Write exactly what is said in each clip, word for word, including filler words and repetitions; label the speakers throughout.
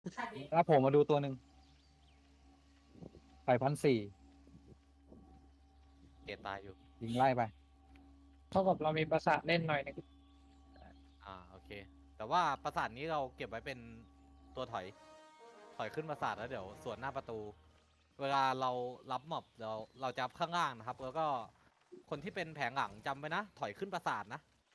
Speaker 1: แล้วผมมาดูตัวหนึ่งไปพันสี่
Speaker 2: เกตตายอยู่
Speaker 1: ยิงไล่ไป
Speaker 3: เท่ากับเรามีประสาทเล่นหน่อยหนึง
Speaker 2: อ่าโอเค แต่ว่าปราสาทนี้เราเก็บไว้เป็นตัวถอย ถอยขึ้นปราสาทแล้วเดี๋ยวสวนหน้าประตู เวลาเรารับม็อบเราเราจะข้างล่างนะครับ แล้วก็คนที่เป็นแผงหลังจำไว้นะ ถอยขึ้นปราสาทนะ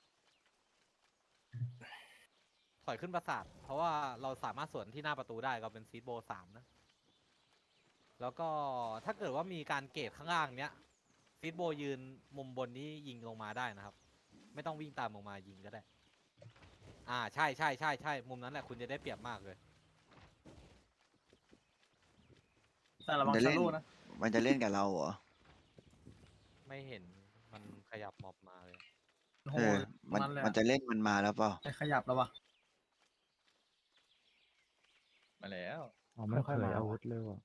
Speaker 2: ถอยขึ้นปราสาท เพราะว่าเราสามารถสวนที่หน้าประตูได้เราเป็นซีดโบสามนะ แล้วก็ถ้าเกิดว่ามีการเกตข้างล่างเนี้ยซีดโบยืนมุมบนนี้ยิงลงมาได้นะครับ ไม่ต้องวิ่งตามลงมายิงก็ได้ อ่าใช่ใช่ใช่ใช่มุมนั้นแหละคุณจะได้เปรียบมากเลย
Speaker 4: แต่ระวัง
Speaker 5: จะ
Speaker 4: ชา
Speaker 5: เล่น
Speaker 4: โลูนะ
Speaker 5: มันจะเล่นกับเราเหรอ
Speaker 2: ไม่เห็นมันขยับม็อบมาเลย
Speaker 4: โอ้โห
Speaker 5: เออ มัน
Speaker 4: นั่นแหละ
Speaker 5: มันจะเล่นมันมาแล้วเปล่า
Speaker 4: ไปขยับแล้ววะ
Speaker 6: มาแล้ว
Speaker 1: อ๋อไม่ค่อยมาอาวุธเลยว่ะ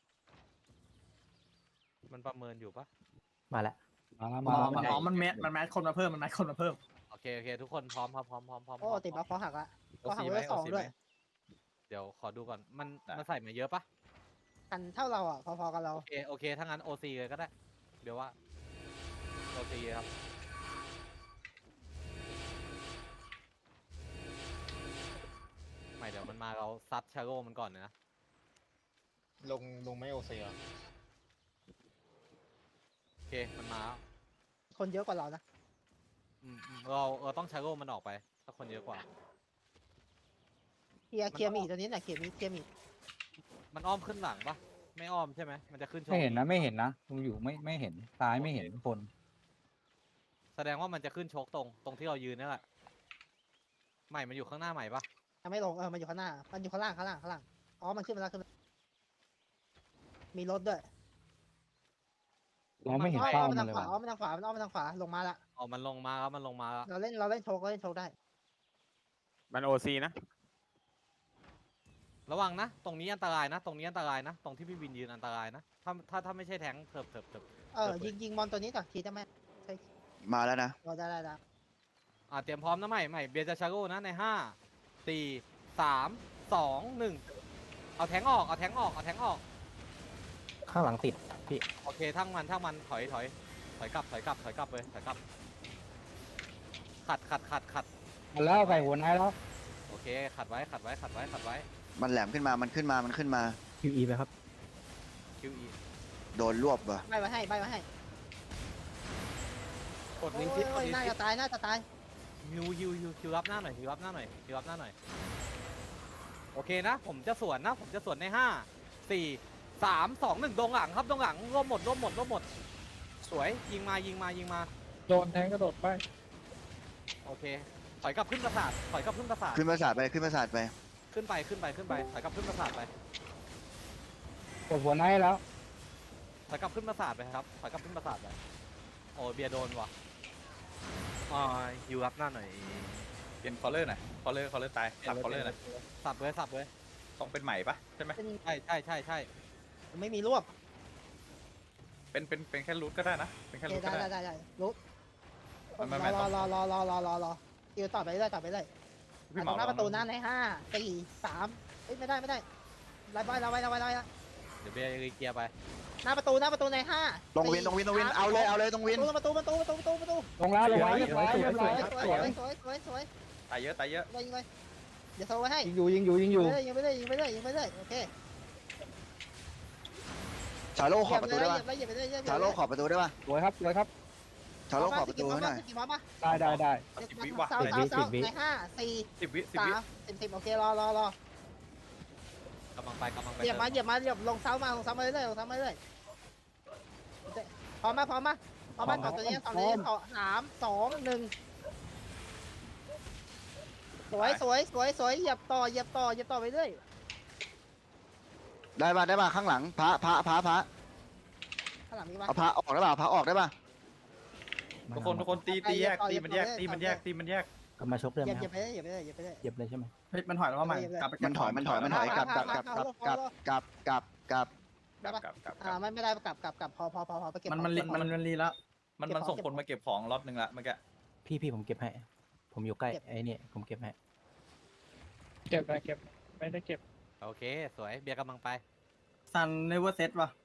Speaker 2: มันประเมินอยู่ปะ
Speaker 7: มาแล้ว
Speaker 1: มาแล้ว
Speaker 4: อ๋
Speaker 1: มา
Speaker 4: อ
Speaker 1: แล้ว
Speaker 4: มันอ๋อมันแมสมันแมสคนมาเพิ่มมันแมสคนมาเพิ่ม
Speaker 2: โอเคโอเคทุกคนพร้อมครับพร้อมพร้อมพร้อม
Speaker 8: โอ้ติดบัฟ
Speaker 2: พร้อม
Speaker 8: เพราะหักละเพ
Speaker 6: โอ
Speaker 8: ราะหัก
Speaker 6: ซีไห
Speaker 8: เว
Speaker 6: ม
Speaker 8: ล
Speaker 6: โอ
Speaker 8: สอง
Speaker 6: ซี
Speaker 8: ด้
Speaker 6: ไห
Speaker 8: ว
Speaker 6: ม
Speaker 8: ย
Speaker 2: เดี๋ยวขอดูก่อนมัน
Speaker 6: ได้
Speaker 2: มันใส่มาเยอะปะ
Speaker 8: กันเท่าเราอ่ะพอๆกับเรา
Speaker 2: โอเคโอเคถ้างั้นโอซีเลยก็ได้ เดี๋ยวว่าโอซีครับไม่เดี๋ยวมันมาเราซัดชาโร่มันก่อนเลยนะ
Speaker 9: ลงลงไม่โอเซีย
Speaker 2: โอเคมันมาแล้ว
Speaker 8: คนเยอะกว่าเรานะ
Speaker 2: อืมอืมเราเราต้องชาโร่มันออกไปถ้าคนเยอะกว่า
Speaker 8: เคลียร์เคลียร์มีดตัวนี้หน่อยเคลียร์มีดเคลียร์มีด
Speaker 2: มันอ้อมขึ้นหลังปะไม่อ้อมใช่ไหมมันจะขึ้นช่อง
Speaker 1: ไม่เห็นนะไม่เห็นนะผมอยู่ไม่ไม่เห็นซ้ายไม่เห็นคน
Speaker 2: แสดงว่ามันจะขึ้นโชกตรงตรงที่เรายืนนี่แหละใหม่มันอยู่ข้างหน้าใหม่ปะ
Speaker 8: ยังไม่ลงเออมันอยู่ข้างหน้ามันอยู่ข้างล่างข้างล่างข้างล่างอ๋อมันขึ้นมาแล้วขึ้นมามีรถด้วย
Speaker 1: เราไม่เห็น
Speaker 8: อ้อม
Speaker 1: เป้า
Speaker 8: อ้อม
Speaker 1: มั
Speaker 8: มาน ทาง
Speaker 1: เลย
Speaker 8: ขวา
Speaker 1: ว่ะ
Speaker 8: อ้อมมาทางขวามันอ้อมมาทางขวาลงมาละ
Speaker 2: อ๋อมันลงมาแล้วมันลงมาแล้ว
Speaker 8: เราเล่นเราเล่นโชกเราเล่นโชกได้
Speaker 6: มันโอซีนะ
Speaker 2: ระวังนะ ตรงนี้อันตรายนะ ตรงนี้อันตรายนะ ตรงที่พี่วินยืนอันตรายนะ ถ้าถ้าถ้าไม่ใช่แทงค์เถิบเถิบเถิบ
Speaker 8: เออยิงยิงมอนตัวนี้ก่อนทีได้ไหมใช่
Speaker 5: มาแล้วนะ
Speaker 8: เราได้ได้ได้
Speaker 2: อ่าเตรียมพร้อมนะใหม่ใหม่เบียร์จะชาโก้นะในห้าสี่สามสองหนึ่งเอาแทงค์ออกเอาแทงค์ออกเอาแทงค์ออก
Speaker 7: ข้างหลังติดพี่
Speaker 2: โอเคทั้งมันทั้งมันถอยถอยถอยกลับถอยกลับถอยกลับเลยถอยกลับขัดขัดขัดขัด
Speaker 1: มาแล้วใส่หัวไหนแล้ว
Speaker 2: โอเคขัดไว้ขัดไว้ขัดไว้ขัดไว้
Speaker 5: มันแหลมขึ้นมา มันขึ้นมา มันขึ้นมา
Speaker 7: คิวอีไปครับ
Speaker 2: คิวอี
Speaker 5: โดนรวบว่ะ
Speaker 8: ใบมาให้ใบมาให้
Speaker 2: กด
Speaker 8: โอ้
Speaker 2: ลิ
Speaker 8: ย
Speaker 2: งก์ที่ก
Speaker 8: โอ้
Speaker 2: ด
Speaker 8: ย
Speaker 2: ลิง
Speaker 8: น่า
Speaker 2: ก์
Speaker 8: จะตายน่าจะตาย
Speaker 2: ฮิวฮิวฮิวฮิวรับหน้าหน่อยฮิวรับหน้าหน่อยฮิวรับหน้าหน่อยโอเคนะ ผมจะสวนนะ ผมจะสวนในห้าสี่สามสองหนึ่งดงหลังครับดงหลังร่วมหมดร่วมหมดร่วมหมด สวยยิงมายิงมายิงมา
Speaker 3: โดนแทงกระโดดไป
Speaker 2: โอเคถอยกลับขึ้นปราสาทถอยกลับขึ้นปราสาท
Speaker 5: ขึ้นประสาทไป ขึ้นประสาทไป
Speaker 2: ขึ้นไปขึ้นไปขึ้นไปถอยกลับขึ้นปราสาทไป
Speaker 1: กดหัวไหนแล้ว
Speaker 2: ถอยกลับขึ้นปราสาทไปครับถอยกลับขึ้นปราสาทไปโอ้เบียร์โดนว่ะอ่าฮิวรับหน้าหน่อย
Speaker 6: เปลี่ยนคอลเลอร์หน่อยคอลเลอร์คอลเลอร์ตายสับคอลเลอร์หน่อย
Speaker 2: สับเลยสับเลย
Speaker 6: ต้องเป็นใหม่ปะใช่ไหม
Speaker 8: เป็น
Speaker 2: ใช่ใช่ใช่ใช่
Speaker 8: ไม่มีรวบ
Speaker 6: เป็นเป็นเป็นแค่รูทก็ได้นะ เป็น
Speaker 8: โอ
Speaker 6: แค่
Speaker 8: เค
Speaker 6: รูทก็
Speaker 8: ได้
Speaker 6: ได้
Speaker 8: ได้ได้ได้รู้
Speaker 6: ไม่ไม่
Speaker 8: ร
Speaker 6: ต้
Speaker 8: อ
Speaker 6: อง
Speaker 8: รอรอรอรอรอรอคิวต่อไปเรื่อยต่อไปเรื่อย
Speaker 6: พี่
Speaker 8: ต
Speaker 6: เห
Speaker 8: ร
Speaker 6: มาง
Speaker 8: หน้าประตูหน้าในห้าสี่สามเอ้ยไม่ได้ไม่ได้ไล่บอยเราไว้เราไว้เราไว้
Speaker 2: เดี๋ยวเบียร์รีเกียร์ไป
Speaker 8: หน้าประตูหน้าประตูในห้า
Speaker 5: ตรงวิน ตรงวิน ตรงวิน เอาเลย เอาเลย ตรงวิน
Speaker 8: ประตูประตูประตูประตูประตู
Speaker 1: ลงแล้วลงแล้วเรียบร้อยเรียบ
Speaker 8: ส
Speaker 1: ร้อ
Speaker 8: วย ย
Speaker 1: ครับ
Speaker 8: สวย
Speaker 1: สวย
Speaker 8: สวยสวยสวย
Speaker 6: ตายเยอะตายเยอะ
Speaker 8: ยิงเลยเดี๋ยวโทรไว้ให้
Speaker 1: ยิงอยู่ยิงอยู่ยิงอยู่
Speaker 8: ยิงไปเลยยิงไปเลยยิงไปเลยโอเค
Speaker 5: ชาโลขอบประตูได้
Speaker 8: เห
Speaker 5: ป่ะ
Speaker 8: ยียบเลยเหยียบเลยเหยียบเลย
Speaker 5: ชาโลขอบประตูได้ป่ะ
Speaker 1: สวยครับสวยครับ
Speaker 5: ชาโลขอบประตูให้หน่อย
Speaker 8: กี่มอป่ะ
Speaker 1: ได้ได้ได้
Speaker 6: สิบวิวะ
Speaker 8: เสาเสาเสาในห้าสี่
Speaker 6: สิบวิสิบ
Speaker 8: สา
Speaker 6: วิ
Speaker 8: มสิบสิบโอเครอรอรอก
Speaker 2: ำลังไปกำลังไป
Speaker 8: เหยียบมาเหยียบมาเหยียบลงเสามาลงเสามาเรื่อยลงเสามาเรื่อยพร้อมมาพร้อมมาพร้อมมาต่อตัวนี้ต่อตัวนี้ต่อสามสองหนึ่งสวยสวยสวยสวยเหยียบต่อเหยียบต่อเหยียบต่อไปเรื่อย
Speaker 5: ได้ป่ะ ได้ป่ะ ข้างหลัง พระ พระ พระ พระ
Speaker 8: ข้างหลังมีป่ะ
Speaker 5: เอาพระออกได้ป่ะ พระออกได้ป่ะ
Speaker 6: ทุกคนทุกคนตีตีแยกตีมันแยกตีมันแยกตีมันแยก
Speaker 7: ก็มาชกเรื่
Speaker 8: เห
Speaker 7: อง
Speaker 8: ยียบ
Speaker 7: ไหม
Speaker 8: เหยียบ
Speaker 7: ค
Speaker 8: ไป
Speaker 7: รับ
Speaker 8: เรื่อยเหยียบไปเรื่อยเหยียบไปเรื่อย
Speaker 7: เหยียบเลยใช่ไหม
Speaker 4: เฮ้ยมันถอยแล้วว่าใหม่กลับไปเก็บ
Speaker 5: มันถอย มันถอย มันถอย กลับกลับกลับกลับกลับกลับกลับกลับ
Speaker 6: กลับกลับกลับ
Speaker 8: อ่าไม่ไม่ได้กลับกลับกลับพอพอพอพอไปเก็บ
Speaker 4: มันมันรีมันมันรีแล้ว
Speaker 6: มันมันส่งคนมาเก็บของล็อตหนึ่งละเมื่อกี้
Speaker 7: พี่พี่ผมเก็บให้ ผมอยู่ใกล้ไอ้นี่ผมเก็บให้
Speaker 3: เก็บไปเก็บไม่ได้เก็บ
Speaker 2: โอเค สวยเบียร์กำลังไป
Speaker 4: ซันเนเวอร์เซตว่ะ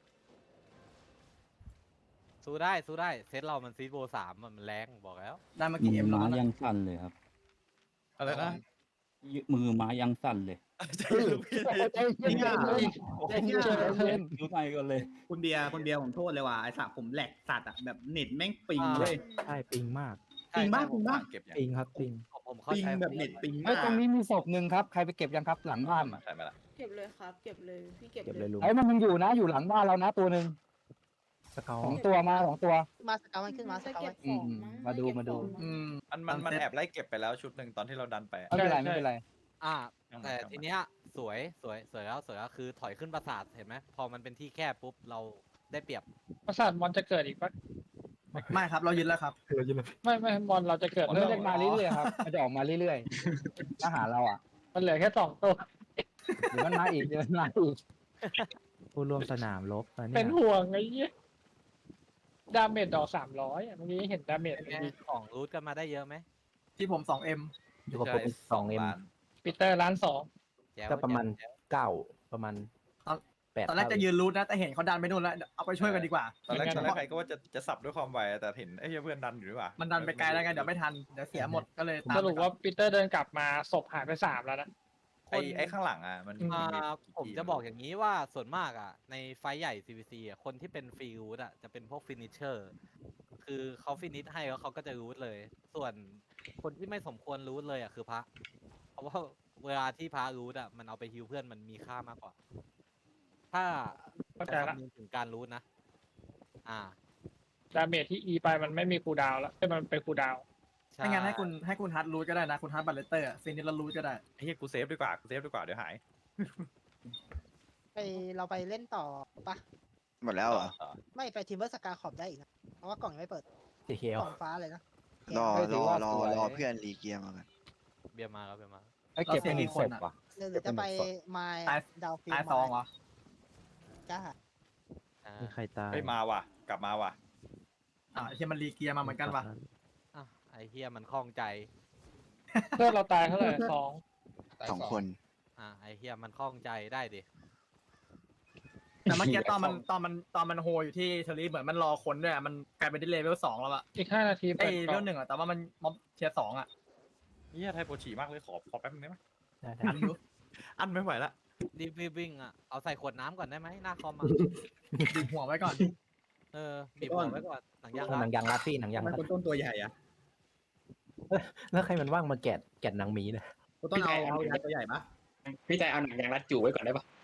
Speaker 2: สู้ได้สู้ได้เซตเรามันซีดโบสามมันแรงบอกแล้ว
Speaker 4: ได้มากี่เอ็มแล้ว
Speaker 10: ม้า
Speaker 4: นะ
Speaker 10: ยังสั่นเลยครับ
Speaker 6: อะไรนะ
Speaker 10: มือม้ายังสั่นเลย
Speaker 6: ใจเย็นพี่
Speaker 5: จริงอ่ะ
Speaker 1: ใจเย็นใจเย็น
Speaker 10: ดูใจกันเลย
Speaker 4: คุณเบียร์คุณเบียร์ผมโทษเลยว่ะไอ้สัตว์ผมแหลกสัตว์อ่ะแบบเน็ตแม่งปิง
Speaker 2: อ่า
Speaker 4: เลย
Speaker 7: ใช่ปิงมาก
Speaker 4: ปิงมากปิงมาก
Speaker 6: เก็บยัง
Speaker 7: ปิงครับปิง
Speaker 2: ผมผมเข้า
Speaker 4: ปิง
Speaker 2: ใจ
Speaker 4: แบบเน็ตปิง
Speaker 1: ไอ้
Speaker 4: มาย ก
Speaker 1: ตรงนี้มีศพหนึ่งครับใครไปเก็บยังครับหลังบ้านอ่ะ
Speaker 6: ใช่ไหมล่ะ
Speaker 11: เก็บเลยครับ เก็บเลย พี่เก็บ
Speaker 7: เก็บ
Speaker 11: เล
Speaker 7: เลย ยลุง
Speaker 1: ไอ้มันยังอยู่นะอยู่หลังบ้านเรานะตัวหนึ่ง
Speaker 7: สเกล
Speaker 1: สองตัวมาสองตัว
Speaker 8: มาสเกามันขึ้นมาส
Speaker 11: จะ
Speaker 8: เกา
Speaker 11: เก็
Speaker 8: มั
Speaker 11: บ
Speaker 8: น
Speaker 11: ของ
Speaker 1: อืม
Speaker 11: มั้ง
Speaker 1: มาดู
Speaker 11: เก็บ
Speaker 1: มาดู
Speaker 11: ของมั้ง
Speaker 4: อืม
Speaker 6: มันมันมันแอบไล่เก็บไปแล้วชุดหนึ่งตอนที่เราดันไปอะ
Speaker 1: ไม่เป็นไร
Speaker 3: ใช่
Speaker 1: ไม่เป็นไร
Speaker 2: อ่า
Speaker 6: ช่างมัน
Speaker 2: แต่
Speaker 6: ช่างมัน
Speaker 2: ทีเนี้ยสวยสวยสวยแล้วสวยแล้วคือถอยขึ้นปราสาทเห็นไหมพอมันเป็นที่แคบปุ๊บเราได้เปรียบ
Speaker 3: ประสาทมอนจะเกิดอีกปะ
Speaker 4: ไม่ครับเรายึดแล้วครับ
Speaker 3: ไม่ไม่มอนเราจะเกิด
Speaker 1: ผม
Speaker 3: เรื่
Speaker 1: เรี
Speaker 3: อย
Speaker 1: กมาเรื่อยๆครับมันจะออกมาเรื่อยๆมาหาเราอ่ะ
Speaker 3: มันเหลือแค่สองตัว
Speaker 1: เดี๋ยวมันมาอีกเดี๋ยวมันมาอีก
Speaker 7: ผู้ร่วมสนามรบตอน
Speaker 3: เป็
Speaker 7: เนี้
Speaker 3: น
Speaker 7: ย
Speaker 3: ห่วงไอ้เหี้ยดาเมจดอกสามร้อยเมื่อกี้เห็นดาเมจ
Speaker 2: เป็นไงของรูทกันมาได้เยอะไหม
Speaker 4: ที่ผมสองเอ็ม
Speaker 7: อยู่กับผมสองเอ็ม
Speaker 6: ล้าน
Speaker 3: ปีเตอร์ล้านสอง
Speaker 2: แจ๋ว
Speaker 7: ก็ประมาณ
Speaker 2: แจ๋ว
Speaker 7: เก้าประมาณแปด
Speaker 4: ตอนแรกจะยืนรูทนะแต่เห็นเขาดันไปนู่นแล้วเอาไปช่วยกันดีกว่า
Speaker 6: ตอนแรกตอนแรกใครก็ว่าจะจะสับด้วยความไวแต่เห็นไอ้เหี้ยเพื่อนดันอยู่ดีกว่า
Speaker 4: มันดันไปไกลแล้วไงเดี๋ยวไม่ทันเดี๋ยวเสียหมดก็เลยตาม
Speaker 3: สรุปว่าปีเตอร์เดินกลับมาศพหายไปสามแล้วนะ
Speaker 6: ไอ้ไอ้ข้างหลังอ่ะมัน
Speaker 3: อืม
Speaker 2: อ่า
Speaker 6: กี่
Speaker 2: ผม
Speaker 6: ที
Speaker 2: จะบอกอย่างนี้ว่าส่วนมากอ่ะ ในไฟท์ใหญ่ ซี วี ซี อ่ะคนที่เป็นฟรีรูทอ่ะจะเป็นพวกฟินิชเชอร์คือเขาฟินิชให้แล้วเขาก็จะรูทเลย ส่วนคนที่ไม่สมควรรูทเลยอ่ะคือพระ เพราะว่าเวลาที่พระรูทอ่ะมันเอาไปฮิวเพื่อนมันมีค่ามากกว่า ถ้า
Speaker 3: เข้าใจ
Speaker 2: จะ
Speaker 3: ละ
Speaker 2: คำนึงถึงการรูทนะ อ่า
Speaker 3: ดาเมจที่อีไปมันไม่มีคูลดาวน์แล้วแต่มันเป็นคูลดาวน์
Speaker 2: ใช่
Speaker 4: ไม่งั้นให้คุณให้คุณฮัทรูทก็ได้นะคุณฮัทบัลเลเตอร์ฟินิชแล้วรูทก็ได้
Speaker 6: ไอ้เหี้ยกูเซฟดีกว่ากูเซฟดีกว่าเดี๋ยวหาย
Speaker 8: ไปเราไปเล่นต่อปะ
Speaker 5: หมดแล้วเหรอ
Speaker 6: ต่อ
Speaker 8: ไม่ไปทีมเวอร์สกาขอบได้อีกนะเพราะว่ากล่องยังไม่เปิด
Speaker 7: สีเขียว
Speaker 8: กล่องฟ้าเลยนะ
Speaker 5: รอ
Speaker 1: เฮ้ยถื
Speaker 5: ร
Speaker 1: อ
Speaker 5: อ
Speaker 1: ว่าร
Speaker 5: อ
Speaker 1: สวย
Speaker 5: รอเพื่อนรีเกียร์มากัน
Speaker 2: เบียร์มาครับเบียร์มา
Speaker 1: ไอ้เก็บเป็นหนึ่งศพว่ะ
Speaker 8: หรือหรือจะไปไมล์
Speaker 4: ตาย
Speaker 8: ดาวฟิล
Speaker 4: ตายซองเหรอ
Speaker 8: จ้า
Speaker 2: อ่า
Speaker 7: มีใครตาย
Speaker 6: เฮ้ยมาว่ะ กลับมาว่ะ
Speaker 4: อ่าที่มันรีเกียร์มาเหมือนกันว่ะ
Speaker 2: อ่ะไอเฮียมันคล่องใจ
Speaker 3: เพื่อนเราตายเท่าไหร่สอง
Speaker 5: สองคน
Speaker 2: อ่ะไอเฮียมันคล่องใจได้ดิ
Speaker 4: แต่เมื่อกี้ตอนมันตอนมันตอนมันโฮอยู่ที่เทอรี่เหมือนมันรอคนด้วยอะมันกลายเป็นที่เลเวลสองแล้วอะ
Speaker 3: อีกห้านาที
Speaker 4: ไอ้
Speaker 3: เปิด
Speaker 4: เล
Speaker 3: กล่
Speaker 4: เว
Speaker 3: อง
Speaker 4: ลหนึ่งอะแต่ว่ามันม็อบเทียร์สองอะ
Speaker 6: เหี้ยไทยโปรฉีมากเลยขอขอแป๊บนึงได้ไหม
Speaker 7: ได้ได้
Speaker 4: อันอยู่
Speaker 6: อันไม่ไหวละ
Speaker 2: รีบวิ่งอ่ะ เอาใส่ขวดน้ำก่อนได้ไหมหน้าคอมอ่ะ
Speaker 4: ดึงหัวไว้ก่อน
Speaker 2: เออ บีบหัวไว้ก่อน หนังยาง
Speaker 7: หนั
Speaker 2: รั
Speaker 7: ง
Speaker 2: ด
Speaker 7: ยางรัดพี่หนังยาง
Speaker 4: มัน
Speaker 7: รัด
Speaker 4: คุณต้นตัวใหญ่อะ
Speaker 7: แล้วใครมันว่างมาแกะแกะหนังหมีเนี่ย
Speaker 4: คุณต้นเอาเอาตัวใหญ่ปะ
Speaker 9: พี่ใจเอาหนังยางรัดจู่ไว้ก่อนได้ปะ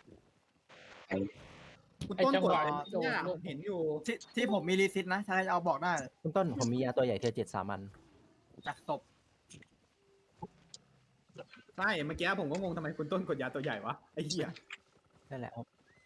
Speaker 4: คุณ
Speaker 3: ไอ้
Speaker 4: ต้น
Speaker 3: จัง
Speaker 4: ก
Speaker 3: ห
Speaker 4: ด
Speaker 3: วะ
Speaker 4: เนี่ยเห็นอยู่ที่ที่ผมมีรีซิตนะถ้าจะเอาบอกได้
Speaker 7: คุณต้นผมมียาตัวใหญ่เทียร์เจ็ดสามัน
Speaker 4: จากศพใช่เมื่อกี้ผมก็งงทำไมคุณต้นกดยาตัวใหญ่วะไอ้เหี้ย
Speaker 7: นั่นแหละ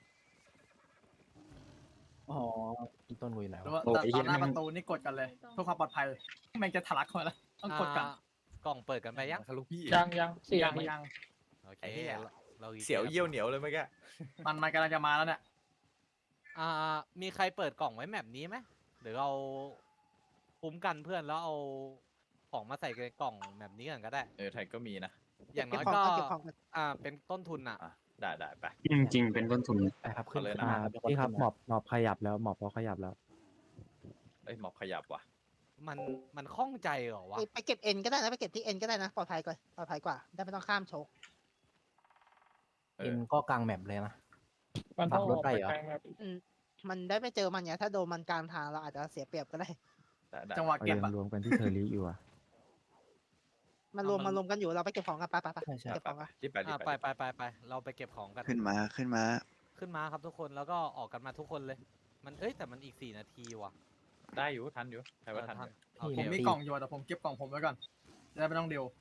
Speaker 7: อ๋อคุณต้นกูอยู่ไหน
Speaker 4: หรือ
Speaker 7: วะ
Speaker 4: ว่าตอนหน้าประตูนี่กดกันเลยเพื่อความปลอดภัยแม่งจะทะลักเข้ามาแล้วต้องกดกัน
Speaker 2: อ่ากล่องเปิดกันไปยัง
Speaker 6: ทะลุพี่
Speaker 3: ยังยังสี่
Speaker 4: ยั
Speaker 3: นาง ที
Speaker 4: ยัง
Speaker 2: โอเค
Speaker 6: ไอ้เหี้ย
Speaker 2: เราอีก
Speaker 6: เสียวเยี่ยวเหนียวเลยเมื่อกี้
Speaker 4: มันมันกำลังจะมาแล้วเนี่ย
Speaker 2: อ่า มีใครเปิดกล่องไว้แมปนี้ไหมหรือเราคุ้มกันเพื่อนแล้วเอาของมาใส่ในกล่องแบบนี้กันก็ได้
Speaker 6: เออไทยก็มีนะ
Speaker 2: อย่างน้อย
Speaker 8: เก็บข
Speaker 2: ก็
Speaker 8: เก็บของกัน
Speaker 2: อ่า เป็นต้นทุนอ่ะ
Speaker 6: อ่ะได้ได้ไป
Speaker 9: จริงๆเป็นต้นทุน
Speaker 7: ไปครับขึ้น
Speaker 6: เอาเลย
Speaker 7: ขึ้
Speaker 6: นะ
Speaker 7: นมาพี่ครับหมอบหมอบขยับแล้วหมอบเขาขยับแล้ว
Speaker 6: เอ้ยหมอบขยับว่ะ
Speaker 2: มัน มันคล่องใจเหรอวะ
Speaker 8: ไปไปเก็บเอ็นก็ได้นะไปเก็บที่เอ็นก็ได้นะปลอดภัยกว่าปลอดภัยกว่าได้ไม่ต้องข้ามโชก
Speaker 6: เอ
Speaker 7: เอ็
Speaker 6: อ
Speaker 7: นก็กลางแมปเลยนะ
Speaker 3: มันต้อง
Speaker 7: ขับ
Speaker 3: อ
Speaker 7: ร
Speaker 3: อ
Speaker 7: ถ
Speaker 3: ก
Speaker 7: ได้
Speaker 3: ไป
Speaker 7: เหรอ
Speaker 3: กลางแบบ
Speaker 8: อืมมันได้ไม่เจอมันไงถ้าโดนมันกลางทางเราอาจจะเสียเปรียบก็ได้
Speaker 6: ได้ได้
Speaker 4: จังหวะเก็บอะ
Speaker 7: รวมกันที่เทอริอยู่อะ
Speaker 8: มันรวมมันรวมกันอยู่เราไปเก็บของกันไปไปไป
Speaker 7: ใช่ใช่
Speaker 8: เก็บของกัน
Speaker 6: รีบไปรี
Speaker 2: อ่า
Speaker 6: บ
Speaker 2: ไป
Speaker 6: ไป
Speaker 2: ไปไปไปเราไปเก็บของกัน
Speaker 5: ขึ้นมาขึ้นมา
Speaker 2: ขึ้นมาครับทุกคนแล้วก็ออกกันมาทุกคนเลย มันเอ้ยแต่มันอีกสี่นาทีว่ะ
Speaker 6: ได้อยู่ทันอยู่ใครว่าทันอยู่
Speaker 2: โอเค
Speaker 4: ผมมีกล่องอยู่แต่ผมเก็บกล่องผมไว้ก่อนจะได้ไม่ต้องเดียว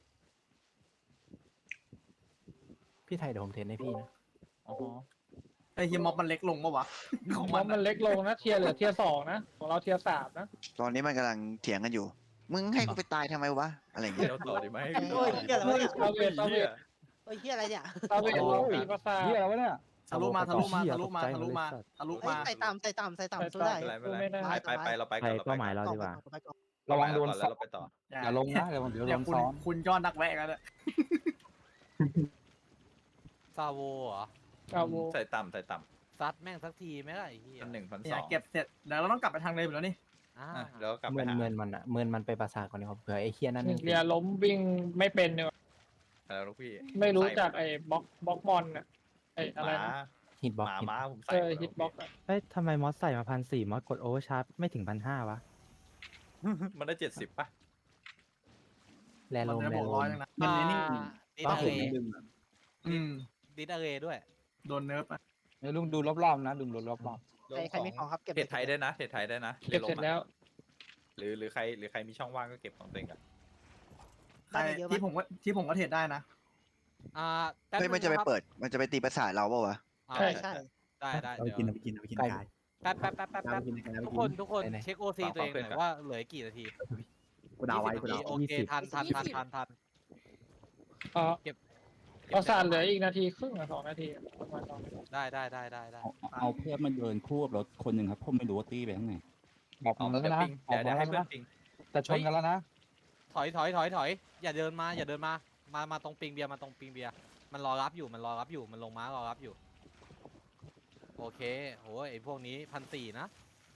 Speaker 7: พี่ไทยเดี๋ยวผมเทรนให้พี่นะ
Speaker 6: อ๋อ
Speaker 4: ไอ้เฮียม็อบมันเล็กลงปะวะของ
Speaker 3: ม
Speaker 4: มั
Speaker 3: อน นมันเล็กลงนะเทียร์เหลือเทียร์สองนะของเราเทียร์สามนะ
Speaker 5: ตอนนี้มันกำลังเถียงกันอยู่ มึงให้กูไปตายทำไมวะ อะไรอย่าง
Speaker 6: เดี๋
Speaker 5: เงี้
Speaker 6: ย
Speaker 5: ยว
Speaker 6: ต่อดีไหม
Speaker 8: โอ้ยเฮียอะไรวะเนี่ย
Speaker 3: ซาเวตซาเวต
Speaker 8: โอ้ยเฮียอะไรเนี่ย
Speaker 3: ซาเวตเราปีประสาท
Speaker 1: เฮียอะไรวะเนี่ย
Speaker 4: ทะลุมาทะลุมาทะลุมาทะลุมาทะลุ
Speaker 8: เอ้ย
Speaker 4: มา
Speaker 8: ใส่ต่ำใส่ต่ำใส่ต่ำสู้ได้
Speaker 6: ไม่เป็นไรไม่เป็นไรไปไปไปเราไป
Speaker 7: ไท
Speaker 6: ก่อน
Speaker 7: ย
Speaker 6: เรา
Speaker 7: เป้า
Speaker 6: ไป
Speaker 7: หมายเราดีกว่า
Speaker 8: ไปก่อน
Speaker 1: ระวังโดน
Speaker 6: แล้วเราไปต่อ
Speaker 1: อย่าลงนะเดี๋ยวเดี๋ยวโด
Speaker 4: เดี๋ยวน คุณ
Speaker 1: ซ้อน
Speaker 4: คุณยอดนักแวะกันเลย
Speaker 2: ซาโวเหรอ
Speaker 3: กาโว
Speaker 6: ใส่ต่ำใส่ต่
Speaker 2: ซัดแม่งสักทีไหมล่ะไอ้เหี้
Speaker 6: ำ
Speaker 2: ย
Speaker 6: พันหนึ่งพัน
Speaker 4: เนี่
Speaker 6: ส
Speaker 4: ย
Speaker 6: อง
Speaker 4: เก็บเสร็จเดี๋ยวเราต้องกลับไปทางเดิมอยู่แล้วนี่
Speaker 2: อ่า
Speaker 6: อ่ะแล้วก็กลับไป
Speaker 7: เมิน
Speaker 6: หา
Speaker 7: เมินมันอะเมินมันไปปราสาทก่อนดีกว่าเผื่อไอ้เคียนั่นมัน
Speaker 3: เรียล้มวิ่งไม่เป็นเนี่ย
Speaker 6: แล้วลูกพี่
Speaker 3: ไม่รู้
Speaker 6: ใส่
Speaker 3: จักไอ้บล็อกบล็อกมอนอะไอ้
Speaker 6: ห
Speaker 3: อะไร
Speaker 6: มา
Speaker 3: นะ
Speaker 7: ฮิตบ็อก
Speaker 6: หมา
Speaker 7: ซ์
Speaker 6: ม้าผมใส่
Speaker 3: เออ
Speaker 6: หมด
Speaker 3: ฮิตบ็อกอะ
Speaker 12: เฮ้ยทำไมมอสใส่มาพันสี่มอสกดโอเวอร์ชาร์จไม่ถึงพันห้าวะ
Speaker 6: มันได้เจ็ดสิบป่ะ
Speaker 7: แล
Speaker 4: มัน
Speaker 7: โลม
Speaker 4: จะ
Speaker 7: แล
Speaker 4: บวก
Speaker 7: โล
Speaker 4: ร้อย
Speaker 7: ม
Speaker 4: นึงนะ
Speaker 2: อ่า
Speaker 4: มันนี่
Speaker 2: ดิด
Speaker 10: ก็
Speaker 2: อะ
Speaker 10: เห็
Speaker 2: เร
Speaker 10: นดึงอะ
Speaker 4: อืม
Speaker 2: ดิดอะเรด้วย
Speaker 4: โดนเนิร์ฟอ่ะ
Speaker 1: เดี๋ยวลุงดูรอบๆนะดูรอบ
Speaker 8: ใครใครมีของครับเก็บ
Speaker 6: เทรดไทยได้นะเทรดไทยได้นะ
Speaker 3: เก็บเสร็จแล้ว
Speaker 6: หรือหรือใครหรือใครมีช่องว่างก็เก็บของตัวเองกัน
Speaker 4: ใครที่ผมก็ที่ผมก็เทรดได้นะ
Speaker 2: อ่าแป๊บ
Speaker 5: เฮ้ย
Speaker 2: นึ
Speaker 5: มัน
Speaker 2: ง
Speaker 5: จะไป
Speaker 2: นะครับ
Speaker 5: เปิด มันจะไปตีประสาทเราเปล่าวะ
Speaker 2: อ่า
Speaker 3: ใช่
Speaker 8: ใช่
Speaker 2: ได้ได้
Speaker 10: เอาไป
Speaker 2: เดี๋ยว
Speaker 10: กินเอาไปกินเอาไปกินกาย
Speaker 2: แป๊บแป๊บแป๊บแป๊บ
Speaker 10: เอา
Speaker 2: แป๊
Speaker 10: ไป
Speaker 2: บ
Speaker 10: กินเอาไป
Speaker 2: ทุก
Speaker 10: กิ
Speaker 2: คน
Speaker 10: น
Speaker 2: ทุกคนเช็คโอซีตัวเองหน่อยว่าเหลือกี่นาที
Speaker 10: กูดาวไว้กู
Speaker 2: ยี่
Speaker 10: ดา
Speaker 2: สิบ
Speaker 10: ว
Speaker 2: นาทีโอเคทันทันทันทันทัน
Speaker 3: เออ
Speaker 2: เก็บ
Speaker 3: ประสาทเหลืออีกนาทีครึ่งอะสองนาทีอะประมาณสองนาที
Speaker 2: ได้ได้ได้ได้ได้
Speaker 10: เอาเอาเพื่อนมาเดินคู่กับรถคนหนึ่งครับผมไม่รู้ว่าตีไปข้างไหน
Speaker 1: ๆบอก
Speaker 6: ออก
Speaker 1: มัน
Speaker 6: มา
Speaker 1: แล้ว
Speaker 6: เดี๋ยว
Speaker 1: นะ
Speaker 6: ปิง
Speaker 1: ออก
Speaker 6: เดี๋ยว
Speaker 1: มา
Speaker 6: เดี๋ยว
Speaker 1: แล้
Speaker 6: ให้
Speaker 1: ว
Speaker 6: เพื่อน
Speaker 1: นะ
Speaker 6: ปิง
Speaker 1: แต่ชนกันแล้วนะ
Speaker 2: ถอยถอยถอยถอยอย่าเดินมาอย่าเดินมามามาตรงปิงเบียร์มาตรงปิงเบียร์มันรอรับอยู่มันรอรับอยู่มันลงม้ารอรับอยู่โอเคโหไอพวกนี้พันสี่นะ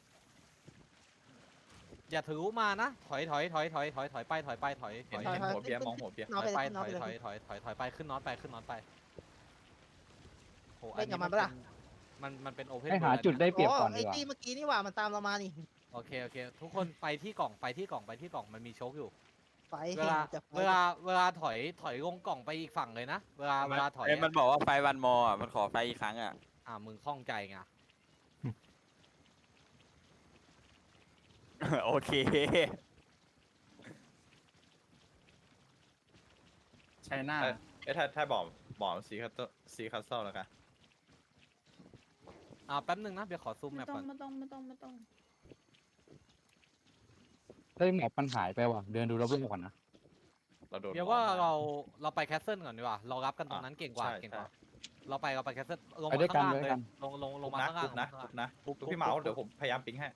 Speaker 2: อย่าถือมานะถอยถอยถอยถอยถอยถอยไปถอยไปถอยถ
Speaker 6: เห็น
Speaker 2: อย
Speaker 6: เห็นหัวเบียร์มองหัวเบียร์
Speaker 2: ถ
Speaker 8: น้อ
Speaker 2: อง ย
Speaker 8: ไป
Speaker 2: ไป
Speaker 8: เลย
Speaker 2: ถ
Speaker 8: น้อง
Speaker 2: อย
Speaker 8: ไป
Speaker 2: ถ
Speaker 8: เล
Speaker 2: อย
Speaker 8: ย
Speaker 2: ถอยถอยถอยไปขึ้นน็อตไปขึ้นน็อตไปโห
Speaker 8: เล่นกับมันปะล่ะ
Speaker 2: มันมันเป็นโอเพน
Speaker 1: ให้หาจุดได้เปรียบก่อน
Speaker 8: ไอ้
Speaker 1: ดีกว่า
Speaker 8: ตีเมื่อกี้นี่หว่ามันตามเรามานี่
Speaker 2: โอเคโอเคทุกคนไปที่กล่องไปที่กล่องไปที่กล่องมันมีโชคอยู่
Speaker 8: ไฟ
Speaker 2: เวลา
Speaker 8: จะไฟ
Speaker 2: เวลาเวลาถอยถอยลงกล่องไปอีกฝั่งเลยนะเวลาเวลาถอย
Speaker 6: เอ้ย
Speaker 2: อะ
Speaker 6: มันบอกว่าไฟวันมออ่ะมันขอไฟอีกครั้งอ่ะ
Speaker 2: อ่ามึงคล่องใจไง
Speaker 6: โอเค
Speaker 4: ใช่หน้า
Speaker 6: เอ้ยถ้าถ้าบอกบอกซีคัสซีคัสเซิลแล้วกัน
Speaker 2: อ่าแป๊บนึงนะเดี๋ยวขอซูมแม
Speaker 11: ไม่
Speaker 2: ป
Speaker 11: ต้อ
Speaker 2: ก่
Speaker 11: ง
Speaker 2: อน
Speaker 11: ไม่ต้องไม่ต้องไม่ต้อง
Speaker 1: เฮ้ยแมปมันหายไปว่ะเดินดูรอบๆก่อนนะ
Speaker 6: เราโดน
Speaker 2: เดี๋ยวว่าเราเราไปแคสเซิลก่อนดีกว่าเรารับกันตรงนั้นเก่งกว่า
Speaker 6: ใช่
Speaker 2: เก่งกว่า
Speaker 6: ใช่
Speaker 2: เราไปเราไปแคสเซิลลง
Speaker 1: ไป
Speaker 2: มา
Speaker 1: ด้วยกั
Speaker 2: ข้าน งล่าง
Speaker 1: ด้วย
Speaker 2: เลย
Speaker 1: กัน
Speaker 2: ลงลงล
Speaker 6: ทุ
Speaker 2: ง
Speaker 6: บ
Speaker 2: มา
Speaker 6: นะ
Speaker 2: ข้างล่า
Speaker 6: ทุ
Speaker 2: ง
Speaker 6: บนะ
Speaker 2: ลงมา
Speaker 6: ทุบนะ
Speaker 2: ทุบ
Speaker 6: ทุบพี่เมาส์เดี๋ยวผมพยายามปิงให้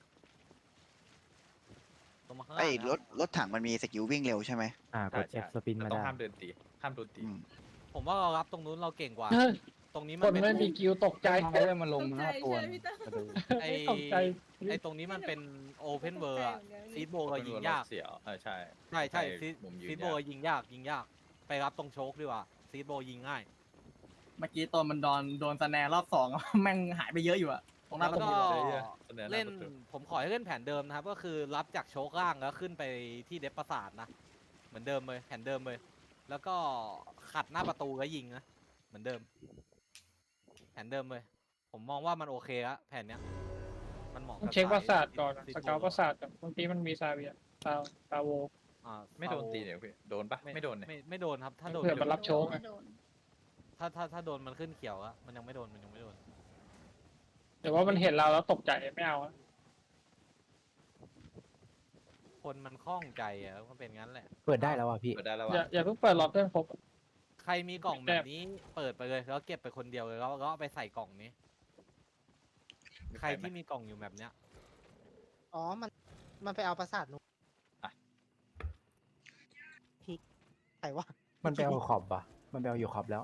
Speaker 2: ลงมาข้าง
Speaker 5: ไอ้
Speaker 2: ล่าง
Speaker 5: รถรถถังมันมีสกิลวิ่งเร็วใช่ไหม
Speaker 12: อ่ากด
Speaker 6: ใช่
Speaker 12: F สปิน
Speaker 6: แต่
Speaker 12: มา
Speaker 6: ต้อง
Speaker 12: ได้
Speaker 6: ห้ามเดินตีห้ามโดนตี
Speaker 5: อืม
Speaker 2: ผมว่าเรารับตรงนู้นเราเก่งกว่า
Speaker 3: เฮ้ย
Speaker 2: ตรงนี้
Speaker 3: ค
Speaker 2: มัน
Speaker 3: น
Speaker 2: เป็น
Speaker 3: ไม่มีกิวตกใจ
Speaker 1: ใช่มันลง
Speaker 11: ตก
Speaker 1: มา
Speaker 11: ใจ
Speaker 1: ห้าตัว
Speaker 11: ใช่ไหมพี่ตั้ม
Speaker 1: มาดู
Speaker 2: ไอ
Speaker 3: ตกใจ
Speaker 2: ไอตรงนี้มันเป็นโอเพนเวอร์
Speaker 11: ตกใจเหมือนกัน
Speaker 2: ซีดโบเรายิงยาก
Speaker 6: เสียวเออใช่
Speaker 2: ใช่ใช่
Speaker 6: ใช่
Speaker 2: ซีด
Speaker 6: มุมยืน
Speaker 2: ซีดโบ
Speaker 6: ยาก
Speaker 2: ยิงยากยิงยาก ไปรับตรงโชคดีกว่าซีดโบยิงง่าย
Speaker 4: เมื่อกี้ตอนมันโดนโดนสแนร์รอบสอง แม่งหายไปเยอะอยู่อะตรงหน้า
Speaker 2: แล้
Speaker 4: ประ
Speaker 2: ว
Speaker 4: ตู
Speaker 2: ก็
Speaker 6: สแนร์หน้า
Speaker 2: เล่น
Speaker 6: ประตู
Speaker 2: ผมขอให้เล่นแผนเดิมนะครับ ก็คือรับจากโชคล่างแล้วขึ้นไปที่เดฟประสาทนะ เหมือนเดิมเลยแผนเดิมเลย แล้วก็ขัดหน้าประตูแล้วยิงนะเหมือนเดิม แผนเดิมเลย ผมมองว่ามันโอเคละแผนเนี้ย มันเหมาะ
Speaker 3: ต้อง
Speaker 2: กับ
Speaker 3: เช็คประสาท
Speaker 2: ย
Speaker 3: ก่อนอะ
Speaker 2: ซีด
Speaker 3: ส
Speaker 2: โบ
Speaker 3: เกลประสาทก่อนบางทีมันมีซาเวียซาซาโว
Speaker 2: อ่า
Speaker 6: ไม่โดนตีเนี่ยพี่โดนปะไม่โดนเนี่ย
Speaker 2: ไม่ไม่โดนครับ ถ้าโดน
Speaker 3: เผื่อ
Speaker 2: ไม่
Speaker 3: มัน
Speaker 2: โด
Speaker 3: รับ
Speaker 2: น
Speaker 3: โชคอะ
Speaker 11: ไม่โดน
Speaker 2: ถ้าถ้าถ้าโดนมันขึ้นเขียวอะมันยังไม่โดนมันยังไม่โดน
Speaker 3: แต่ว่ามันเห็นเราแล้วตกใจไม่เอาอะ
Speaker 2: คนมันคล่องใจอะมันเป็นงั้นแหละ
Speaker 7: เปิดได้แล้วอ่ะพี่
Speaker 6: เปิดได้แล้ว
Speaker 3: อย่า
Speaker 6: อ่ะ
Speaker 3: อย่าเพิ่งเปิดล็อตเพื่อนครบ
Speaker 2: ใครมีกล่องแบบนี้เปิดไปเลยแล้วเก็บไปคนเดียวเลยแล้วก็เอาไปใส่กล่องนี้ ใครที่มีกล่องอยู่แบบเนี้ย
Speaker 8: อ๋อมันมันไปเอาประสาทนู้นพิกใครวะ
Speaker 7: มันไปเอาขอบอ่ะ มันไปเอาอยู่ขอบแล้ว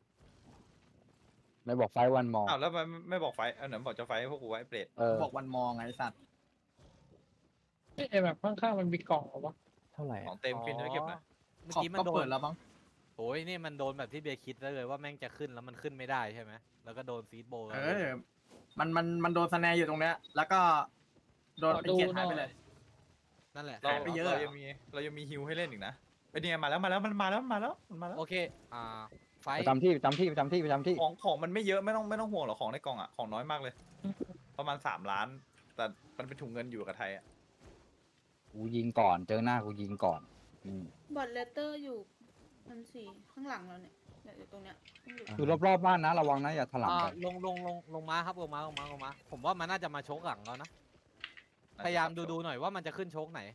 Speaker 1: ไม่บอกไฟวันมอง
Speaker 6: อ้าวแล้วไม่ไม่บอกไฟเออไหนบอกจะไฟให้พวกกูไว้เปรต
Speaker 1: เออ
Speaker 4: บอกวันมองไงไอ้สัตว์
Speaker 3: เอ้ยแบบข้างๆมันมีกล่องเหรอวะ
Speaker 7: เท่าไหร่
Speaker 6: ขอ
Speaker 7: อะ
Speaker 6: งเต็มขึ้นด้วยเก็บนะ
Speaker 2: เมื่อ
Speaker 4: ขอบ
Speaker 2: กี้มัน
Speaker 4: ก็
Speaker 2: โด
Speaker 4: เปิ
Speaker 2: น
Speaker 4: ดแล้วบ้าง
Speaker 2: โอ้ยนี่มันโดนแบบที่เบียร์คิดได้เลยว่าแม่งจะขึ้นแล้วมันขึ้นไม่ได้ใช่ไหมแล้วก็โดนซีดโบว์
Speaker 4: เออ มันมันมันโดนสแนร์อยู่ตรงเนี้ย แล้วก็โดนเป็นเกียร์หายไปเลย
Speaker 2: นั่นแหละ
Speaker 6: เรา
Speaker 4: หายไปเยอะ
Speaker 6: เรายังมีเรายังมีฮิวให้เล่นอีกนะไอ้เนี่ยมาแล้วมาแล้วมันมาแล้วมันมาแล้วมันมาแล้ว
Speaker 2: โอเค อ่า ไฟ
Speaker 1: ประจำที่ประจำที่ประจำที่ประจำที่
Speaker 6: ของของมันไม่เยอะไม่ต้องไม่ต้องห่วงหรอกของในกล่องอ่ะของน้อยมากเลย ประมาณสามล้าน แต่มันเป็นถุงเงินอยู่กับไทยอ่ะ
Speaker 1: กูยิงก่อนเจอหน้ากูยิงก่อนอืม
Speaker 11: บอดเลเตอร์อยู่พันสี่ข้างหลังเราเนี่ยเนี่ยอยู่ตรงเนี้ยต้องอยู่
Speaker 1: คือรอบๆบ้านนะระวังนะอย่าถลำ
Speaker 2: อ่า
Speaker 1: ไป
Speaker 2: ลงลงลงลงมาครับลงมาลงมาลงมา ผมว่ามันน่าจะมาโชกหลังแล้วนะ พยายามดูดูหน่อยว่ามันจะขึ้นโชกไหน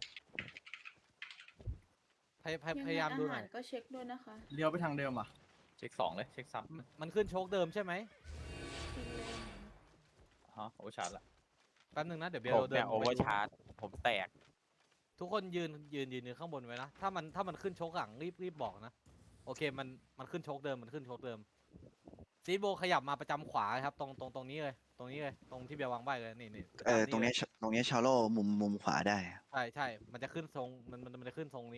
Speaker 2: พยพย
Speaker 11: งไง
Speaker 2: พยายามดูหน่
Speaker 11: อา
Speaker 2: อย
Speaker 11: หารก็เช็คด้วยนะคะ
Speaker 4: เลี้ยวไปทางเดิมอ่ะ
Speaker 6: เช็คสองเลยเช็คซ้
Speaker 2: มันมันขึ้นโชกเดิมใช่ไหม
Speaker 11: กินเลย
Speaker 6: ำฮะโอชาร์จละ
Speaker 2: แป๊บนึงนะเดี๋ยวเบลเราเดิน
Speaker 6: โอเวอร์ชาร์จผมแตก
Speaker 2: ทุกคนยืนยืนยืนยืนข้างบนไว้นะ ถ้ามันถ้ามันขึ้นโชกหลังรีบรีบบอกนะ โอเคมันมันขึ้นโชกเดิมมันขึ้นโชกเดิมซีดโบขยับมาประจำขวาครับตรงตรงตรงนี้เลยตรงนี้เลยตรงที่เบียร์วางใบเลยนี่นี่
Speaker 5: เออตรงเนี้ยตรงเนี้ยชาโลมุมมุมขวาได้
Speaker 2: ใช่ใช่มันจะขึ้นทรงมันมันมันจะขึ้นทรงนี้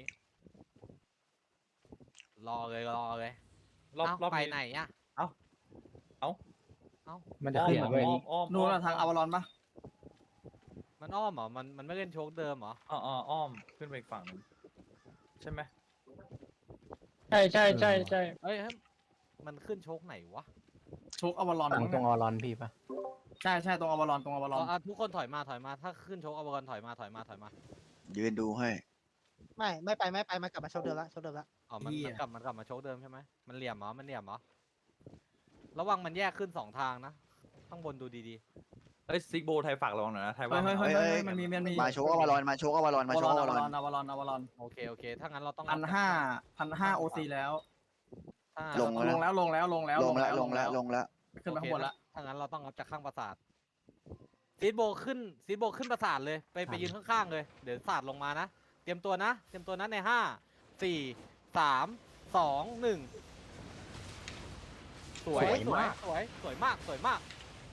Speaker 2: รอเลยรอเลย
Speaker 6: รอบ
Speaker 2: เอ้าร
Speaker 6: อบ
Speaker 2: ไป
Speaker 6: นี้
Speaker 2: ไหนอ่ะ
Speaker 6: เอ้าเอ้า
Speaker 2: เอ้า
Speaker 12: มันจะขึ้น
Speaker 6: อ้อ
Speaker 12: มาเว้ย
Speaker 6: อ้อมอ้อม
Speaker 4: นู่นน่ะทางอวารอนปะ
Speaker 2: มันอ้อมเหรอมันมันไม่เล่นโชคเดิมเหรอ
Speaker 6: อ๋ออ๋ออ้อมขึ้นไปอีกฝั่งหนึงใช่ไหม
Speaker 3: ใช่ใช่ใช่ใช่
Speaker 2: เอ้ยเฮ้ยมันขึ้นโชคไหนวะ
Speaker 4: โชคอวารอน
Speaker 7: ฝั่งตรงออรอนพี่ปะ
Speaker 4: ใช่ใช่ตรงอวารอนตรงอวารอน
Speaker 2: เอาเอาทุกคนถอยมาถอยมาถ้าขึ้นโชคเอาบอลถอยมาถอยมาถอยมา
Speaker 5: ยืนดูให้
Speaker 8: ไม่ไม่ไปไม่ไปมันกลับมาโชว์เดิมละโชว์เดิมละ
Speaker 2: อ๋อมัน
Speaker 4: เหี้ย
Speaker 2: มันกลับมันกลับมาโชคเดิมใช่ไหมมันเหลี่ยมเหรอมันเหลี่ยมเหรอระวังมันแยกขึ้นสองทางนะข้างบนดูดี
Speaker 6: เอ้ยซิกโบไทยฝากระวังหน่อยนะไทย
Speaker 4: เฮ้
Speaker 6: ว่าย
Speaker 4: เฮ้ย
Speaker 6: มัน
Speaker 4: เฮ้ย
Speaker 6: เอา
Speaker 4: เฮ้ยมันมีมันมี
Speaker 5: มาโชกอวารอนมาโชกอวารอน
Speaker 4: อ
Speaker 5: มาว
Speaker 4: า
Speaker 5: โช
Speaker 4: ร
Speaker 5: ก
Speaker 4: อน
Speaker 5: อ
Speaker 4: อ
Speaker 5: วาร
Speaker 4: วา
Speaker 5: อ
Speaker 4: รอน นอวารอนอวารอน
Speaker 2: ๆโอเคโอเคถ้างั้นเราต้อง
Speaker 4: พันห้าพันห้าโอซีแล้ว
Speaker 2: ถ้า
Speaker 5: ลง
Speaker 4: ลงแล้วลงแล้วลงแล้ว
Speaker 5: ลงแล้วลงแล้วลงแล้ว
Speaker 4: ขึ้นไปข้างบนละ
Speaker 2: ถ้างั้นเราต้องรับจากข้างปราสาทซีดโบขึ้นซีดโบขึ้นปราสาทเลยไปไปยืนข้างๆเลยเดี๋ยวศาสตร์ลงมานะเตรียมตัวนะเตรียมตัวนะในห้าสี่สามสองหนึ่งสวยสวยสวยสวยมากสวยมาก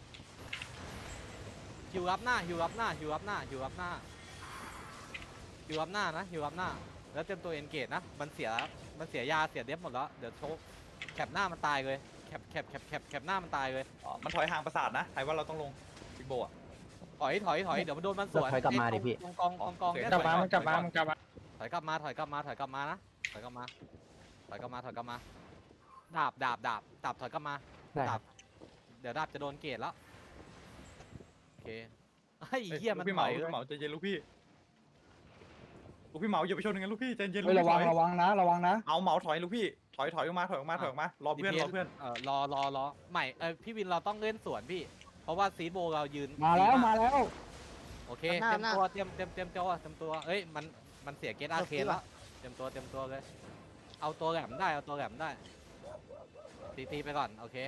Speaker 2: ฮิวรับหน้าฮิวรับหน้าฮิวรับหน้าฮิวรับหน้าฮิวรับหน้านะฮิวรับหน้าแล้วเตรียมตัวเอนเกจนะมันเสียมันเสียยาเสียเดฟหมดแล้วเดี๋ยวโชกแคปหน้ามันตายเลยแคปแคปแคปแคปแคปหน้ามันตายเลย
Speaker 6: อ๋อมันถอยห่างประสาทนะไทยว่าเราต้องลงซิกโบอ่ะ
Speaker 2: ถอยถอยถอยเดี๋ยวมันโดนมันสวน
Speaker 7: ถอยกลับมาดิพี่
Speaker 2: ตรงกองกองกองเนี่ย
Speaker 3: กลับมา
Speaker 2: ถอย
Speaker 3: มันกลับมามันกลับมา
Speaker 2: ถอยกลับมาถอยกลับมาถอยกลับมานะถอยกลับมาถอยกลับมาถอยกลับมาดาบดาบดาบดาบถอยกลับมา
Speaker 12: ได้ค
Speaker 2: ดา
Speaker 12: รั
Speaker 2: บบ เดี๋ยวดาบจะโดนเกตแล้วโอเคไอ้
Speaker 6: เอ้ย
Speaker 2: เหี้ย
Speaker 6: ลู
Speaker 2: มัน
Speaker 6: กพี่เห
Speaker 2: ถ
Speaker 6: มา
Speaker 2: อย
Speaker 6: ลูก
Speaker 2: เลย
Speaker 6: พี่เหมาใจเย็นลูกพี่ลูกพี่เหมาอย่าไปชนอย่างนั้นลูกพี่ใจเย็นลู
Speaker 1: เฮ้ย
Speaker 6: ก
Speaker 1: ระ
Speaker 6: พี่
Speaker 1: วัง
Speaker 6: ถอย
Speaker 1: ระวังนะ ระวังนะ
Speaker 6: เอาเหมาถอยลูกพี่ถอยถอยออกมาถอยออกมาถอยออกมารอเพื่อนรอเพื่อน
Speaker 2: เออรอรอรอใหม่เออพี่วินเราต้องเล่นสวนพี่ เพราะว่าซีดโบเรายืน
Speaker 1: มาแล้ว
Speaker 2: ดีก
Speaker 1: มาแล้ว
Speaker 2: โอเคเตรียมตัวเตรียมเตรียมเตรียมตัวเตรียมตัวเอ้ยมันมันเสียเกตอาร์เคนแล้วเตรียมตัวเตรียมตัวเลยเอาตัวแหลมได้เอาตัวแหลมได้ตีตีไปก่อนโอเค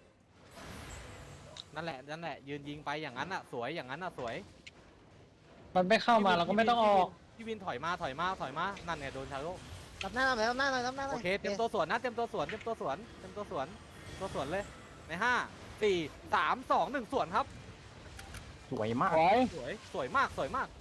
Speaker 2: นั่นแหละนั่นแหละยืนยิงไปอย่างนั้นอ่ะสวยอย่างนั้นอ่ะสวย
Speaker 3: มันไม่เข้ามาเราก็ไม่ต้องออก
Speaker 2: พี่วินถอยมาถอยมาถอยมานั่นเนี่ยโดนชาโล
Speaker 8: รับหน้าหน่อยรับหน้าหน่อยรับหน้าหน่
Speaker 2: โอ
Speaker 8: อย
Speaker 2: เคเตรียมตัวสวนนะเตรียมตัวสวนเตรียมตัวสวนเตรียมตัวสวนเตรียมตัวสวนเลยในห้าสี่สามสองหนึ่งสวนครับ
Speaker 7: สวยมาก
Speaker 1: ถอย
Speaker 2: สวยสวยมากสวยมาก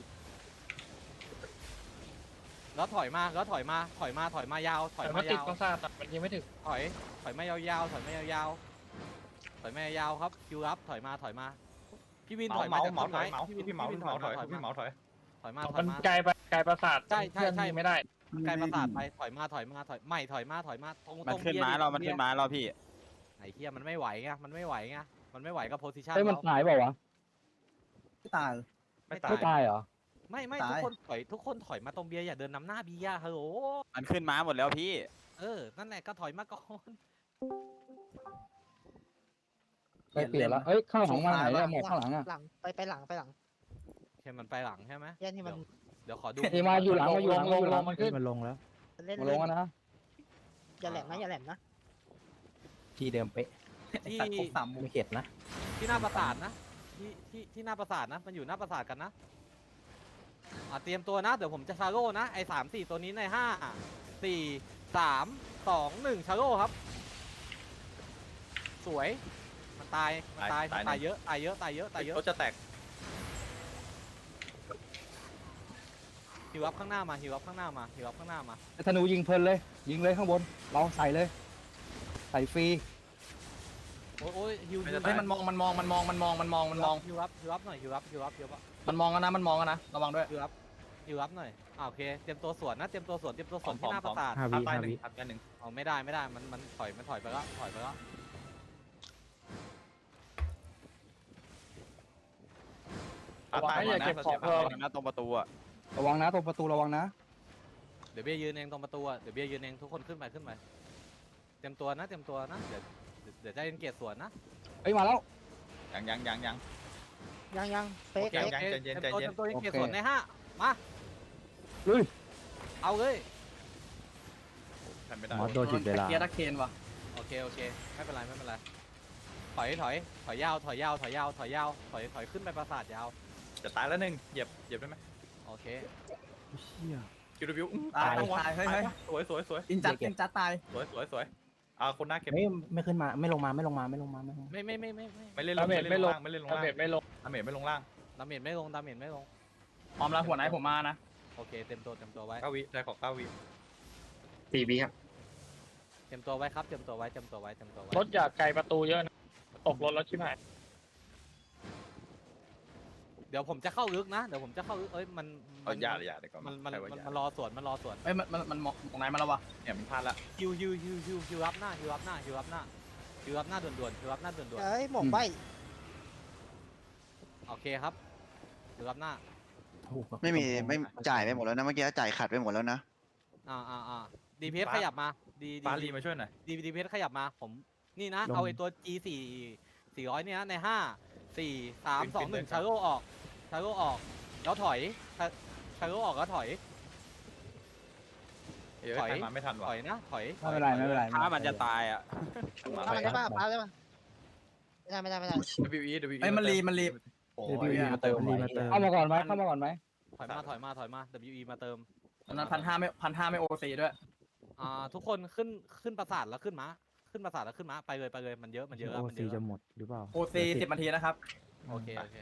Speaker 2: แล้วถอยมาแล้วถอยมาถอยมาถอยมายาวถอย
Speaker 3: แต่
Speaker 2: มา
Speaker 3: มันติด
Speaker 2: ยาว
Speaker 3: ประสาทอะมันยิงไม่ถึง
Speaker 2: ถอยถอยมายาวๆถอยมายาวๆถอยมายาวๆครับคิวรับถอยมาถอยมาพี่วิน
Speaker 6: เห
Speaker 2: ถ
Speaker 6: มา
Speaker 2: อย
Speaker 6: เห
Speaker 2: มา
Speaker 6: มา
Speaker 2: จาก
Speaker 6: เหมา
Speaker 2: ต้น
Speaker 6: ถอยเหมา
Speaker 2: ไม้
Speaker 6: พี่พี่เหมาพี่เหมาถอย
Speaker 2: ถอย
Speaker 6: พี่เหมาถอย
Speaker 2: ถอยมาถอย
Speaker 3: มัน
Speaker 2: มา
Speaker 3: ไกลไปไกลประสาท
Speaker 2: ใช่ใช่
Speaker 3: เพื่อน
Speaker 2: ใช่
Speaker 3: ยิงไม่ได้
Speaker 2: ไกลประสาทไปถอยมาถอยมาถอยใหม่ถอยมาถอยมาตรงต
Speaker 13: มัน
Speaker 2: รง
Speaker 13: ขึ้น
Speaker 2: เบีย
Speaker 13: มา
Speaker 2: ร์ดิ
Speaker 13: เรามันขึ้นมาเราพี่
Speaker 2: ไอ้เหี้ยมันไม่ไหวไงมันไม่ไหวไงมันไม่ไหวกับโพซิชัน
Speaker 1: เฮ้ยมัน
Speaker 2: เรา
Speaker 1: ตายเปล่าวะ
Speaker 4: ไม่ตาย
Speaker 6: ไม่ตาย
Speaker 1: ไม่ตายเหรอ
Speaker 2: ไม่ไม่
Speaker 4: ตาย
Speaker 2: ทุกคนถอยทุกคนถอยมาตรงเบียร์อย่าเดินนำหน้าเบียร์ฮัลโหล
Speaker 13: มันขึ้นมาหมดแล้วพี่
Speaker 2: เออนั่นแหละก็ถอยมาก่อน
Speaker 1: ไปเปลี่ยนแล้วเอ้ยข้างหลังมาไหนเนี่ยหมดข้างหลังอ่ะ
Speaker 8: หลังไปไปหลังไปหลัง
Speaker 2: โอเคมันไปหลังใช่ไหม
Speaker 8: แย่ที่มัน
Speaker 2: เดี๋ยวขอดู
Speaker 1: นี่มาอยู่หลังมาอยู่หลัง
Speaker 3: ล
Speaker 1: มาง อยู่
Speaker 3: ล
Speaker 1: หลั
Speaker 3: ง
Speaker 1: ง
Speaker 3: มันขึ้น
Speaker 12: มันลงแล้ว
Speaker 8: เล่น
Speaker 1: มาล
Speaker 8: เล่
Speaker 1: ง
Speaker 8: น
Speaker 1: แล้วนะ
Speaker 8: อย่าแหลมนะอย่าแหลมนะ
Speaker 7: ที่เดิมเป๊ะ
Speaker 2: ที่
Speaker 4: ตัดครบสามมุม
Speaker 7: ไม่เข็ดนะ
Speaker 2: ที่หน้าปราสาทนะที่ที่ที่หน้าปราสาทนะมันอยู่หน้าปราสาทกันนะอ่ะเตรียมตัวนะเดี๋ยวผมจะชาโร่นะไอ้สามสี่ตัวนี้ในห้าสี่สามสองหนึ่งชาโร่ครับ สวยมันตายมันตายมันตายเยอะตายเยอะตายเยอะตายเยอะ
Speaker 6: รถจะแตก
Speaker 2: ฮิวอัพข้างหน้ามาฮิวอัพข้างหน้ามาฮิวอัพข้างหน้ามา
Speaker 1: ไอ้ธนูยิงเพลินเลย ยิงเลยข้างบน เราใส่เลย ใส่ฟรี
Speaker 2: โอ้ยโอ้ยฮิวฮิว
Speaker 4: เฮ้ยมันมองมันมองมันมองมันมองมันมองมันมอง
Speaker 2: ฮิวอัพฮิวอัพหน่อยฮิวอัพฮิวอัพฮิวอัพ
Speaker 4: มันมองกันนะมันมองกันนะระวังด้วย
Speaker 2: ฮิวอัพฮิวอัพหน่อยอ่าโอเคเตรียมตัวสวนนะเตรียมตัวสวนเตรียมตัวส
Speaker 6: พร้
Speaker 2: ว
Speaker 6: อน มพ
Speaker 2: ที่
Speaker 6: ร้อม
Speaker 2: หน้า
Speaker 6: พ
Speaker 2: ป
Speaker 6: ร้อ
Speaker 2: ราม สาท
Speaker 12: ห้า
Speaker 6: ทั
Speaker 12: วิ
Speaker 6: บใต้
Speaker 12: ห้า
Speaker 6: หนึ่ง
Speaker 12: วิ
Speaker 6: ทับใต้หนึ่ง
Speaker 2: เอาไม่ได้ไม่ได้มันมันถอยมันถอยไปแล้วถอยไปแล้ว
Speaker 6: ทับใต้หนึ่งนะเราเสียภาพ
Speaker 13: หน้าตรงประตูอะ
Speaker 1: ระวังนะตรงประตูระวังนะ
Speaker 2: เดี๋ยวเบียร์ยืนเองตรงประตูอะเดี๋ยวเบียร์ยืนเองทุกคนขึ้นไปขึ้นไปเตรียมตัวนะเตรียมตัวนะเดี๋ยวเดี๋ยวจะเล่นเกียร์สวนนะ
Speaker 1: เอ้ยมาแล้ว
Speaker 6: ยังยังยังยัง
Speaker 8: ยังยังเฟ
Speaker 2: โอก เค
Speaker 8: เฟ
Speaker 2: โอก เค
Speaker 6: ใจเย็น
Speaker 2: เตรียมตัว
Speaker 6: ใจเย็น
Speaker 2: เตรียมตัวเล่นเกียร์
Speaker 1: โอเค
Speaker 2: สวนในห้ามา
Speaker 1: ลุย
Speaker 2: เอาเลย
Speaker 6: ทำไม่ได้
Speaker 12: มอสโดนจุดเวลา
Speaker 4: เกียร์ตะเคนว่ะ
Speaker 2: โอเคโอเคไม่เป็นไรไม่เป็นไรถอยถอยถอยยาวถอยยาวถอยยาวถอยยาวถอยถอยขึ้นไปปราสาทยาว
Speaker 6: จะตายแล้วหนึ่งเหยียบเหยียบได้ไหม
Speaker 2: โอเค
Speaker 6: คิวรีวิว
Speaker 4: ตายตายเฮ้ยเฮ้ย
Speaker 6: สวยสวยสวย
Speaker 4: อินจัดอินจัดตาย
Speaker 6: สวยสวยสวยอ่าคนหน้าเก็บ
Speaker 7: ไม่ไม่ขึ้นมาไม่ลงมาไม่ลงมาไม่ลงมาไม่ลงมา
Speaker 2: ไม่ไม่ไม่ไม่ไม่
Speaker 6: ไม่เล่นล
Speaker 3: ดาง เม
Speaker 6: ไม่
Speaker 3: จ
Speaker 6: เล่น
Speaker 3: ไม่
Speaker 6: ล
Speaker 3: ล
Speaker 6: ง
Speaker 3: ง
Speaker 6: ล่างไม่เล่นลง
Speaker 3: ดา
Speaker 6: ล่าง
Speaker 3: เมจไม่ลง
Speaker 6: ดาเมจไม่ลงล่าง
Speaker 2: ดาเมจไม่ลงดาเมจไม่ลง
Speaker 4: พร้อมแล้วหัวไหนผมมานะ
Speaker 2: โอเคเต็มตัวเต็มตัวไว้
Speaker 6: เก้าวิได้ขอเก้าวิ
Speaker 9: สี่วิครับ
Speaker 2: เต็มตัวไว้ครับเต็มตัวไว้เต็มตัวไว้เต็มตัวไว้
Speaker 3: รถอย่าไกลประตูเยอะนะตกรถแล้วชิบหาย
Speaker 2: เดี๋ยวผมจะเข้าลึกนะเดี๋ยวผมจะเข้าลึกเอ้ยมัน
Speaker 6: เอาอย่าเลยอย่าเดี๋ยวก่อน
Speaker 2: มันมัน
Speaker 6: ใครว่า
Speaker 2: มัน
Speaker 6: อย่า
Speaker 2: มันรอสวนมันรอสวน
Speaker 4: เอ้ยมันมันมันมองตรงไหนมาแล้ววะ
Speaker 6: เนี่ยมันพลาดละ
Speaker 2: ฮิวฮิวฮิวฮิวฮิวรับหน้าฮิวรับหน้าฮิวรับหน้าฮิวรับหน้าด่วนๆฮิวรับหน้าด่วน
Speaker 8: เอ้ยหมกใบ
Speaker 2: ๆโอเคครับฮิวรับหน้า
Speaker 7: ถูกครับ
Speaker 5: ไม่มีไม่จ่ายไปหมดแล้วนะเมื่อกี้จ่ายขัดไปหมดแล้วนะ
Speaker 2: อ่าอ่าอ่าดีเพขยับมาดีดี
Speaker 6: ปาลีมาช่วยหน่อย
Speaker 2: ดีดีเพขยับมาผมนี่นะเอาไอ้ตัว G สี่สี่ร้อยเนี่ยนะในห้าสี่สามสองหนึ่งชาโร่ออกชาโร่ออกแล้วถอยชาโร่ออกแล้วถอย
Speaker 6: เดี๋ยว
Speaker 2: ถอย
Speaker 6: ใครมาไม่ทัน
Speaker 2: ถ
Speaker 6: ว่ะ
Speaker 2: อยนะถอย
Speaker 1: ไม่เป็นไรไม่เป็นไร
Speaker 13: ถ้ามันจะตายอ่ะ
Speaker 6: มา
Speaker 8: ทำมันได้ป่ะปาได้ป่ะไม่ได้ไม่ได้ไม่ได้
Speaker 6: วิวอีวิวอี
Speaker 4: เอ้ยมันรีมันรีโอ้
Speaker 1: เดี๋ยวย พี่มาเติม
Speaker 12: มันรีมาเติม
Speaker 1: เข้ามาก่อนไหมเข้ามาก่อนไหม
Speaker 2: ถอยมาถอยมาถอยมา ดับเบิลยู อี มาเติม
Speaker 4: ตอนนั้นพันห้าไม่พันห้าไม่โอซีด้วย
Speaker 2: อ่าทุกคนขึ้นขึ้นปราสาทแล้วขึ้นม้าขึ้นปราสาทแล้วขึ้นม้าไปเลยไปเลยมันเยอะมันเยอะ
Speaker 12: โอ
Speaker 2: มันเย
Speaker 12: ซี
Speaker 2: อะ
Speaker 12: จะหมดหรือเปล่า
Speaker 4: โอซีสิบนาทีนะครับ
Speaker 2: โอเคโอเค